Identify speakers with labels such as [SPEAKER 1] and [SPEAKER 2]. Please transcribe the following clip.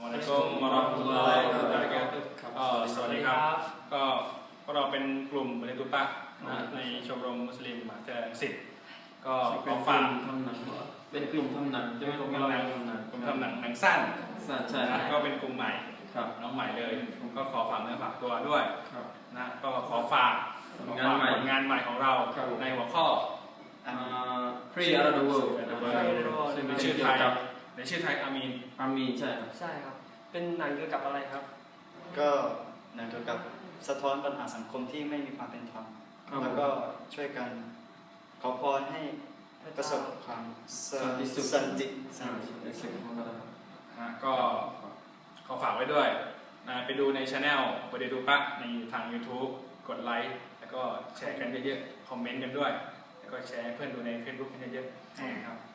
[SPEAKER 1] สวัสดีครับก็เราเป็นกลุ่มบริตุตะในชมรมมุสลิมมหาวิทยาลัยรังสิตก็ขอฝาก
[SPEAKER 2] ทำหนังเป็นกลุ่มทำหนังใช่ไหมกลุ่มทำหนัง
[SPEAKER 1] หนังสั้น
[SPEAKER 2] ใช่
[SPEAKER 1] ก็เป็นกลุ่มใหม่น้องใหม่เลยก็ขอฝากเนื้อฝากตัวด้วยนะก็ขอฝากงานใหม่ของเราในหัวข้อ
[SPEAKER 2] Free Around the World
[SPEAKER 1] ในชื่อไทยอามีน
[SPEAKER 2] ใช่
[SPEAKER 3] ครับเป็นหนังเกี่ยวกับอะไรครับ
[SPEAKER 4] ก็หนังเกี่ยวกับสะท้อนปัญหาสังคมที่ไม่มีความเป็นธรรมแล้วก็ช่วยกันขอพรให้ประสบความสันติสุข
[SPEAKER 1] ก็ขอฝากไว้ด้วยไปดูในช anel บริตุตะในทาง YouTube กดไลค์แล้วก็แชร์กันเยอะๆคอมเมนต์กันด้วยแล้วก็แชร์ให้เพื่อนดูใน Facebook กันเยอะๆครับ